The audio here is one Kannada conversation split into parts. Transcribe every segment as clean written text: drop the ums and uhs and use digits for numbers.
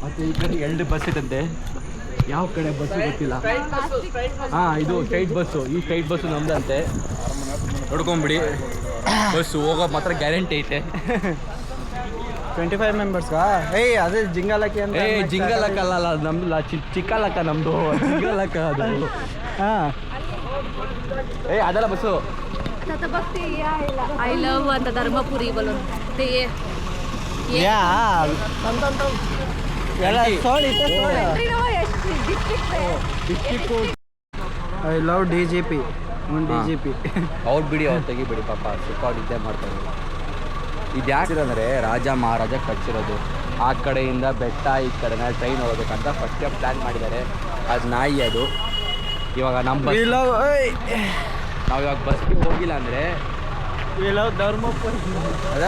ಮತ್ತು ಈ ಕಡೆ 2 ಬಸ್ ಇದಂತೆ. ಯಾವ ಕಡೆ ಬಸ್ಸು ಗೊತ್ತಿಲ್ಲ. ಹಾಂ, ಇದು ಸ್ಟ್ರೈಟ್ ಬಸ್ಸು. ಈ ಸ್ಟ್ರೈಟ್ ಬಸ್ಸು ನಮ್ದಂತೆ. ನೋಡ್ಕೊಂಬಿಡಿ, ಬಸ್ಸು ಹೋಗೋ ಮಾತ್ರ ಗ್ಯಾರಂಟಿ ಐತೆ. 25 ಮೆಂಬರ್ಸ್ಗಾ? ಏಯ್ ಅದೇ ಜಿಂಗಾಲಕ್ಕೆ ಅಂತ. ಜಿಂಗಲಕ್ಕ ಅಲ್ಲ, ನಮ್ದು ಚಿಕ್ಕಲಕ್ಕ, ನಮ್ಮದು ಜಿಂಗಲಕ್ಕ ಅದು. ಹಾಂ, ಅದಲ್ಲ बसो आता बघते आय लव्ह आता धर्मपुरी बोलून ते या ಎಲ್ಲ ಸೋಳಿ ಐ ಲವ್ DGP DGP. ಅವ್ರು ಬಿಡಿ, ಅವ್ರು ತೆಗಿಬಿಡಿ ಪಾಪ, ಸುತ್ತಾಡಿ ಇದ್ದೇ ಮಾಡ್ತಾರೆ. ಇದು ಯಾಕೆ ಅಂದರೆ ರಾಜ ಮಹಾರಾಜ ಕಟ್ಸಿರೋದು. ಆ ಕಡೆಯಿಂದ ಬೆಟ್ಟ, ಈ ಕಡೆನ ಟ್ರೈನ್ ಹೋಗ್ಬೇಕಂತ ಫಸ್ಟೇ ಪ್ಲ್ಯಾನ್ ಮಾಡಿದ್ದಾರೆ. ಅದು ನಾಯಿ ಅದು. ಇವಾಗ ನಮ್ಮ ನಾವು ಇವಾಗ ಬಸ್ಗೆ ಹೋಗಿಲ್ಲ ಅಂದರೆ ಧರ್ಮಪುರಿ ಅದ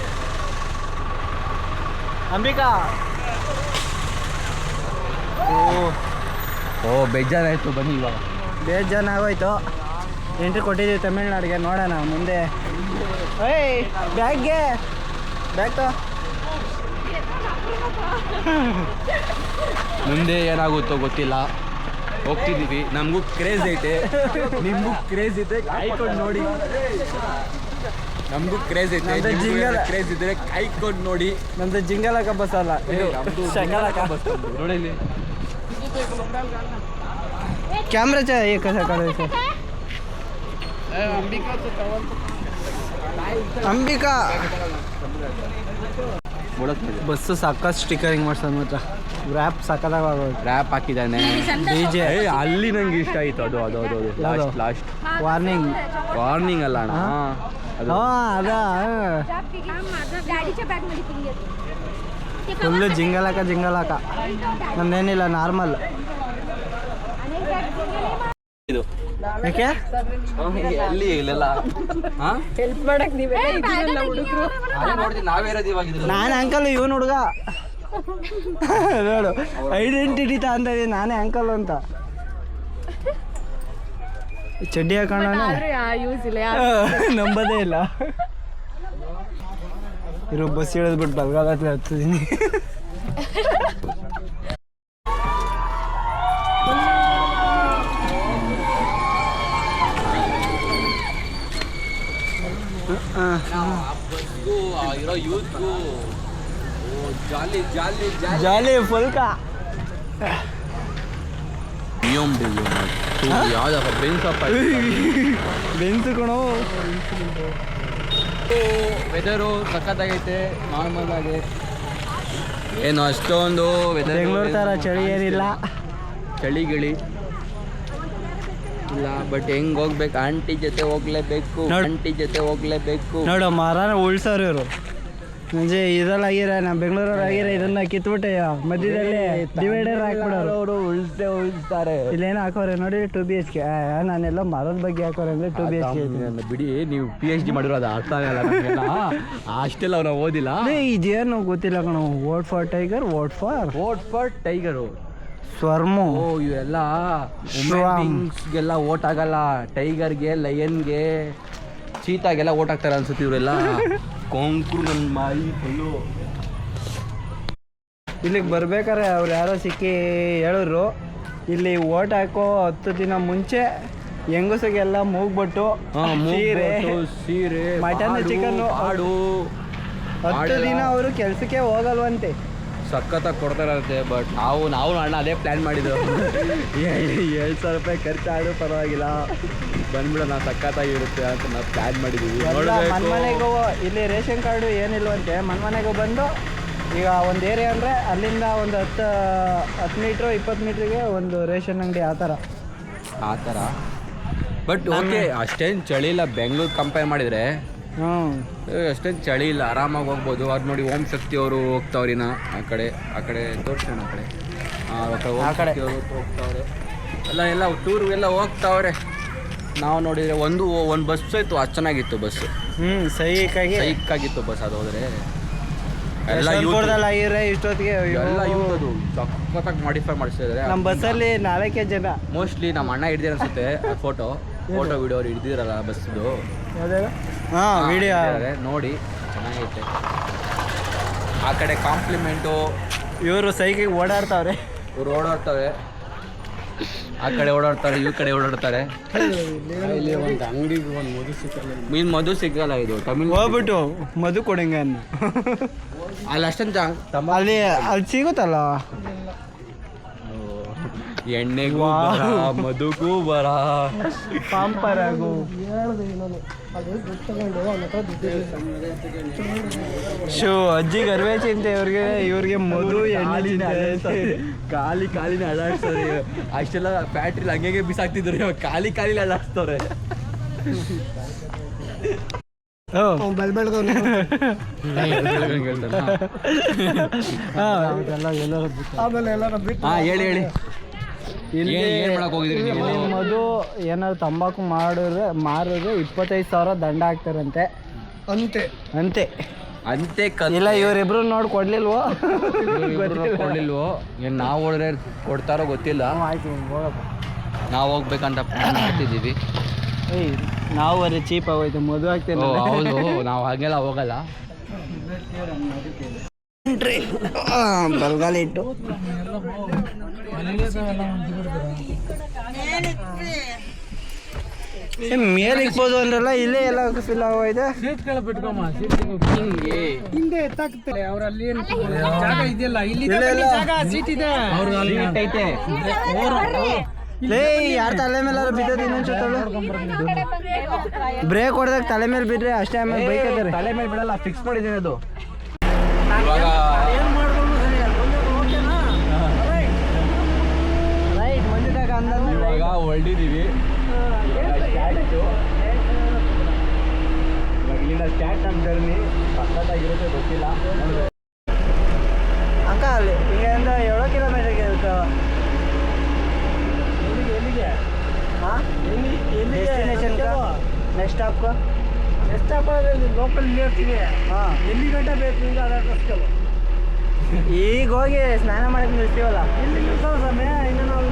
ಅಂಬಿಕಾ. ಓ ಬೇಜಾರಾಯಿತು, ಬನ್ನಿ ಇವಾಗ. ಬೇಜಾರು ಆಗೋಯ್ತು. ಎಂಟ್ರಿ ಕೊಟ್ಟಿದ್ದೀವಿ ತಮಿಳ್ನಾಡಿಗೆ, ನೋಡೋಣ ಮುಂದೆ. ಏಯ್ ಬ್ಯಾಗ್ಗೆ ಬ್ಯಾಗ್ ಮುಂದೆ ಏನಾಗುತ್ತೋ ಗೊತ್ತಿಲ್ಲ. ಹೋಗ್ತಿದ್ದೀವಿ, ನಮಗೂ ಕ್ರೇಜ್ ಐತೆ, ನಿಮಗೂ ಕ್ರೇಜ್ ಐತೆ, ಕಾಯ್ಕೊಂಡು ನೋಡಿ. ನಮಗೂ ಕ್ರೇಜ್ ಐತೆ, ಕ್ರೇಜ್ ಇದ್ರೆ ಕಾಯ್ಕೊಂಡು ನೋಡಿ. ನಮ್ದು ಜಿಂಗಲಕ ಬಸ್ ಅಲ್ಲ, ಶಂಗಲಕ ಬಸ್. ನೋಡಿ ಇಲ್ಲಿ ಕ್ಯಾಮ್ರಾ चाहिए कैसा करे सर? ಅಂಬಿಕಾ ಬಸ್ಸು ಸಾಕಷ್ಟು ಸ್ಟಿಕರಿಂಗ್ ಮಾಡ್ಸೋದು ಮಾತ್ರ. ರ್ಯಾಪ್ ಸಕ್ಕದಾಗ ರ್ಯಾಪ್ ಹಾಕಿದ್ದಾನೆ. DJ ಅಲ್ಲಿ ನಂಗೆ ಇಷ್ಟ ಆಯಿತು. ಅದು ಲಾಸ್ಟ್ ವಾರ್ನಿಂಗ್ ಅಲ್ಲ ಅಣ್ಣ, ಅದು ಫುಲ್ಲು ಜಿಂಗಲಾಕ. ನಮ್ದೇನಿಲ್ಲ, ನಾರ್ಮಲ್. ಇದು ಯಾಕೆ ಅಲ್ಲಿ ಇಲ್ಲೆಲ್ಲ ಹೆಲ್ಪ್ ಮಾಡಕ್ ಹುಡುಗರು ನೋಡ್ತೀನಿ, ನಾವೇ ಇರೋದು ಇವಾಗ. ನಾನೇ ಅಂಕಲ್, ಇವನು ಹುಡುಗ ನೋಡು, ಐಡೆಂಟಿಟಿ ಅಂತ ಇದೀನಿ, ನಾನೇ ಅಂಕಲ್ ಅಂತ. ಚಡ್ಡಿ ಹಾಕೋಣ ಯೂಸ್ ಇಲ್ಲ, ನಂಬದೇ ಇಲ್ಲ. ಇರೋ ಬಸ್ ಇಳಿದ್ಬಿಟ್ಟು ಬಲ್ಗಾಲತ್ಲೆ ಹತ್ತಿದ್ದೀನಿ. ಇರೋ ಯೂತ್ಗೂ ಜಾಲಿ ಜಾಲಿ ಜಾಲಿ ಫುಲ್ಕಾ. ಯಾವ್ದಪ್ಪ ಬೆನ್ಸಪ್ಪ, ಬೆನ್ಸು ಕಣೋ. ವೆದರು ಸಖತ್ತಾಗೈತೆ, ನಾರ್ಮಲ್ ಆಗಿ ಏನು ಅಷ್ಟೊಂದು ವೆದರ್ ಬೆಂಗಳೂರು ಥರ ಚಳಿ ಏನಿಲ್ಲ, ಚಳಿ ಗಿಳಿ ಇಲ್ಲ. ಬಟ್ ಹೆಂಗ್ ಹೋಗ್ಬೇಕು, ಆಂಟಿ ಜೊತೆ ಹೋಗ್ಲೇಬೇಕು. ನೋಡು ಮರನ ಉಳ್ಸೋರು ಇವರು. ಮುಂಚೆ ಇದೆಲ್ಲ ಆಗಿರ, ನಮ್ಮ ಬೆಂಗಳೂರವ್ರು ಆಗಿರ, ಇದನ್ನ ಕಿತ್ಬಿಟ್ಟೆ ಮಧ್ಯದಲ್ಲಿ ಡಿವೈಡರ್ ಹಾಕ್ಬಿಡೋರು. ಅವರು ಉಳಿಸ್ತಾರೆ. ಇಲ್ಲೇನೋ ಹಾಕೋರೆ ನೋಡಿ, 2 BHK. ನಾನೆಲ್ಲ ಮರದ ಬಗ್ಗೆ ಹಾಕೋರೆ ಅಂದರೆ 2 BHK ಬಿಡಿ. ನೀವು PhD ಮಾಡಿರೋ ಅದು ಅರ್ಥ ಆಗಲ್ಲ ನಮಗೆಲ್ಲ, ಅಷ್ಟೆಲ್ಲ ಅವ್ರು ಓದಿಲ್ಲ. ಇದೇನು ಗೊತ್ತಿಲ್ಲ ಕಣೋ. ವೋಟ್ ಫಾರ್ ಟೈಗರು, ಸ್ವರ್ಮು. ಇವೆಲ್ಲ ವುಮೆನ್ಸ್ಗೆಲ್ಲ ಓಟ್ ಆಗಲ್ಲ, ಟೈಗರ್ಗೆ, ಲಯನ್ಗೆ, ಚೀತಾಗೆಲ್ಲ ಓಟ್ ಹಾಕ್ತಾರೆ ಅನ್ಸುತ್ತೆ ಇವರೆಲ್ಲ. ಕೊಂಕ್ರು ನನ್ನ ಮಾಯಿ ಫುಲ್ಲು. ಇಲ್ಲಿಗೆ ಬರ್ಬೇಕಾರೆ ಅವ್ರು ಯಾರೋ ಸಿಕ್ಕಿ ಹೇಳಿದ್ರು, ಇಲ್ಲಿ ಓಟ್ ಹಾಕೋ 10 ದಿನ ಮುಂಚೆ ಹೆಂಗಸಿಗೆಲ್ಲ ಮೂಗ್ಬಿಟ್ಟು ಸೀರೆ, ಮಟನ್, ಚಿಕನ್, ಆಡು 10 ದಿನ ಅವರು ಕೆಲಸಕ್ಕೆ ಹೋಗಲ್ವಂತೆ. ಸಖತ್ತಾಗಿ ಕೊಡ್ತಾರಂತೆ. ಬಟ್ ನಾವು ಅಣ್ಣ ಅದೇ ಪ್ಲ್ಯಾನ್ ಮಾಡಿದ್ದು. 7,000 ರೂಪಾಯಿ ಖರ್ಚಾಡು ಪರವಾಗಿಲ್ಲ, ಬಂದ್ಬಿಡೋಣ, ಸಖತ್ತಾಗಿರುತ್ತೆ ಅಂತ ನಾವು ಪ್ಲ್ಯಾನ್ ಮಾಡಿದ್ದೀವಿ. ಮನೆಗೂ ಇಲ್ಲಿ ರೇಷನ್ ಕಾರ್ಡು ಏನಿಲ್ವಂತೆ. ಮನೆಗೂ ಬಂದು ಈಗ ಒಂದು ಏರಿಯಾ ಅಂದರೆ ಅಲ್ಲಿಂದ ಒಂದು 10 ಮೀಟ್ರು 20 ಮೀಟ್ರಿಗೆ ಒಂದು ರೇಷನ್ ಅಂಗಡಿ, ಆ ಥರ. ಬಟ್ ಓಕೆ, ಅಷ್ಟೇನು ಚಳಿ ಇಲ್ಲ ಬೆಂಗಳೂರು ಕಂಪೇರ್ ಮಾಡಿದರೆ. ಅಷ್ಟೇನು ಚಳಿ ಇಲ್ಲ, ಆರಾಮಾಗಿ ಹೋಗ್ಬೋದು. ಅದು ನೋಡಿ ಓಂ ಶಕ್ತಿ ಅವರು ಹೋಗ್ತಾವ್ರಿನ ಆ ಕಡೆ ತೋರಿಸೋಣ. ಆ ಕಡೆ ಹೋಗ್ತಾವ್ರೆ ಎಲ್ಲ ಟೂರ್ಗೆಲ್ಲ ಹೋಗ್ತಾವ್ರೆ. ನಾವು ನೋಡಿದರೆ ಒಂದು ಬಸ್ ಇತ್ತು, ಅದು ಚೆನ್ನಾಗಿತ್ತು ಬಸ್ಸು. ಸೈಕಾಗಿತ್ತು ಬಸ್. ಅದು ಹೋದರೆ ಎಲ್ಲ ಇಷ್ಟೊತ್ತಿಗೆ ಎಲ್ಲ ಅದು ಸಖತ್ತಾಗಿ ಮಾಡಿಫೈ ಮಾಡಿಸಿದ್ದಾರೆ. ನಮ್ಮ ಬಸ್ಸಲ್ಲಿ 4 ಜನ ಮೋಸ್ಟ್ಲಿ ನಮ್ಮ ಅಣ್ಣ ಹಿಡ್ದಿರ ಅನ್ಸುತ್ತೆ. ಫೋಟೋ ವಿಡಿಯೋ ಅವ್ರು ಹಿಡ್ದಿರಲ್ಲ ಬಸ್ದು. ವಿಡಿಯೋ ನೋಡಿ ಚೆನ್ನಾಗೈತೆ. ಆ ಕಡೆ ಕಾಂಪ್ಲಿಮೆಂಟು ಇವರು ಸೈಕಿಗೆ ಓಡಾಡ್ತಾವ್ರೆ. ಇವ್ರು ಓಡಾಡ್ತವೆ, ಆ ಕಡೆ ಓಡಾಡ್ತಾರೆ, ಈ ಕಡೆ ಓಡಾಡ್ತಾರೆ. ಇಲ್ಲಿ ಒಂದು ಅಂಗಡಿಗೆ ಒಂದು ಮಧು ಸಿಕ್ಕಲ್ಲ. ಮೀನು ಮಧು ಸಿಗಲ್ಲ, ಇದು ತಮಿಳ್ ಹೋಗ್ಬಿಟ್ಟು ಮಧು ಕೊಡಂಗ ಅಲ್ಲಿ ಅಷ್ಟೊಂದು ಅಲ್ಲಿ ಸಿಗುತ್ತಲ್ಲ. ಎಣ್ಣೆಗೂ ಬರ, ಮಧುಗೂ ಬರ, ಪಾಂಪರಾಗು. ಶೋ ಅಜ್ಜಿಗೆ ಅರ್ವೆ ಚಿಂತೆ, ಇವ್ರಿಗೆ ಮಧು ಎಣ್ಣೆ ಕಾಲಿನ ಅಳ್ಳಾಡ್ತಾರೆ. ಅಷ್ಟೆಲ್ಲ ಫ್ಯಾಕ್ಟ್ರಿಲಿ ಹಂಗೆ ಬಿಸಾಕ್ತಿದ್ರು, ಇವಾಗ ಕಾಲಿನ ಅಳ್ಳಾಡ್ಸ್ತವ್ರೆ. ಹೇಳಿ ಇಲ್ಲಿ ಮಧು ಏನಾದ್ರು ತಂಬಾಕು ಮಾರಿದ್ರೆ 25,000 ದಂಡ ಹಾಕ್ತಾರಂತೆ. ಅಂತೆ ಅಂತೆ ಇಲ್ಲ, ಇವರಿಬ್ರು ನೋಡಿ ಕೊಡ್ಲಿಲ್ವೋ? ಕೊಡ್ಲಿಲ್ವೋ? ಏನು ನಾವು ಹೋದ್ರೆ ಕೊಡ್ತಾರೋ ಗೊತ್ತಿಲ್ಲ. ಆಯ್ತು, ಹೋಗಪ್ಪ. ನಾವು ಹೋಗ್ಬೇಕಂತ ಪ್ಲಾನ್ ಮಾಡ್ತಿದ್ದೀವಿ. ಏಯ್, ನಾವು ಅದೇ ಚೀಪ್ ಆಗೋಯ್ತು, ಮಧು ಹಾಕ್ತೇನೆ. ಹೌದು, ನಾವು ಹಾಗೆಲ್ಲ ಹೋಗಲ್ಲ. ಬಲ್ಗಾಲ ಇಟ್ಟು ಮೇಲೆ ಇಕ್ಬೋದು ಅಂದ್ರಲ್ಲ, ಇಲ್ಲೇ ಎಲ್ಲ ಫಿಲ್ ಆಗೋಯ್ತು. ಹಿಂದೆ ಎತ್ತಾಕ್ತಾರೆ ಅವರಲ್ಲಿ, ಜಾಗ ಇದೆಯಲ್ಲ, ಇಲ್ಲಿ ಸೀಟ್ ಇದೆ. ಯಾರ ತಲೆ ಮೇಲೆ ಬಿದ್ದದ ಇನ್ನೊಂದು ಬ್ರೇಕ್ ಹೊಡೆದಾಗ ತಲೆ ಮೇಲೆ ಬಿಡ್ರೆ ಅಷ್ಟೇ. ಆಮೇಲೆ ಬೈಕ್ ಇದ್ದಾರೆ, ತಲೆ ಮೇಲೆ ಬಿಡಲ್ಲ, ಫಿಕ್ಸ್ ಮಾಡಿದ್ದೀನಿ ಅದು. ರೈಟ್ ಮಂದಿದಾಗ ಇವಾಗ ಹೊರಟಿದ್ದೀವಿ. ಇಲ್ಲಿಂದ ಸ್ಟಾರ್ಟ್ ನಮ್ಮ ಜರ್ನಿ ಸಖತ್ತಾಗಿರುತ್ತೆ, ಗೊತ್ತಿಲ್ಲ. ಅಕ್ಕ ಅಲ್ಲಿ ಇಲ್ಲಿಂದ 7 ಕಿಲೋಮೀಟರ್ಗೆ ಇರುತ್ತೆ. ಹಾಂ, ಡೆಸ್ಟಿನೇಷನ್ ನೆಕ್ಸ್ಟ್ ಸ್ಟಾಪ್ ಲೋಕಲ್ ಇರ್ತೀವಿ. ಹಾಂ, ಎಲ್ಲಿ ಗಂಟೆ ಬೇಕು ನಿಮ್ಗೆ ಅದು ಅಡ್ರೆಸ್ಗಳು. ಈಗ ಹೋಗಿ ಸ್ನಾನ ಮಾಡಕ್ಕೆ ನಿಲ್ತೀವಲ್ಲ, ಇಲ್ಲಿ ನಿಲ್ಸೋ ಸಮಯ. ಇನ್ನು ನಾವು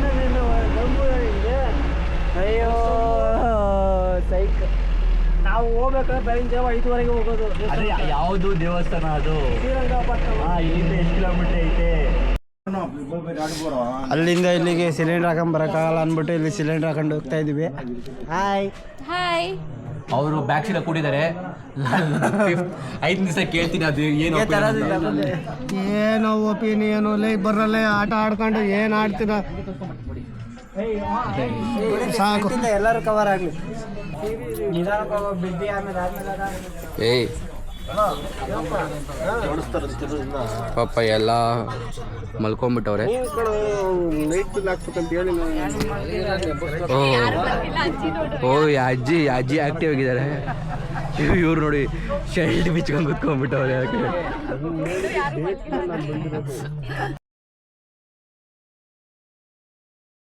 ಅಯ್ಯೋ ಸೈಕ್. ನಾವು ಹೋಗ್ಬೇಕಾದ್ರೆ ಬೆಳಗಿನ ಜಾವ 5 ಹೋಗೋದು. ಯಾವುದು ದೇವಸ್ಥಾನ ಅದು? ಶ್ರೀರಂಗಪಟ್ಟಣ. ಇಲ್ಲಿಂದ ಎಷ್ಟು ಕಿಲೋಮೀಟರ್ ಐತೆ? ಅಲ್ಲಿಂದ ಇಲ್ಲಿಗೆ ಸಿಲಿಂಡರ್ ಹಾಕೊಂಡ್ ಬರೋಕ್ಕಾಗಲ್ಲ ಅಂದ್ಬಿಟ್ಟು ಇಲ್ಲಿ ಸಿಲಿಂಡರ್ ಹಾಕೊಂಡು ಹೋಗ್ತಾ ಇದೀವಿ. ಹಾಯ್. ಅವರು ಬ್ಯಾಕ್ ಸೀಟ್ ಕೂಡಿದ್ದಾರೆ. 5 ದಿವಸ ಕೇಳ್ತೀನಿ ಅದು ಏನು ಏನೋ ಒಪಿನಿಯನು ಬರಲ್ಲ. ಆಟ ಆಡ್ಕೊಂಡು ಏನು ಆಡ್ತೀರ ಸಾಕು, ಎಲ್ಲರೂ ಕವರ್ ಆಗಲಿ. ಏಯ್ ಪಾಪ ಎಲ್ಲ ಮಲ್ಕೊಂಡ್ಬಿಟ್ಟವ್ರೆ. ಓ ಅಜ್ಜಿ ಆಕ್ಟಿವ್ ಆಗಿದ್ದಾರೆ. ಇವ್ರು ನೋಡಿ ಶರ್ಟ್ ಬಿಚ್ಕೊಂಡು ಕುತ್ಕೊಂಡ್ಬಿಟ್ಟವ್ರೆ.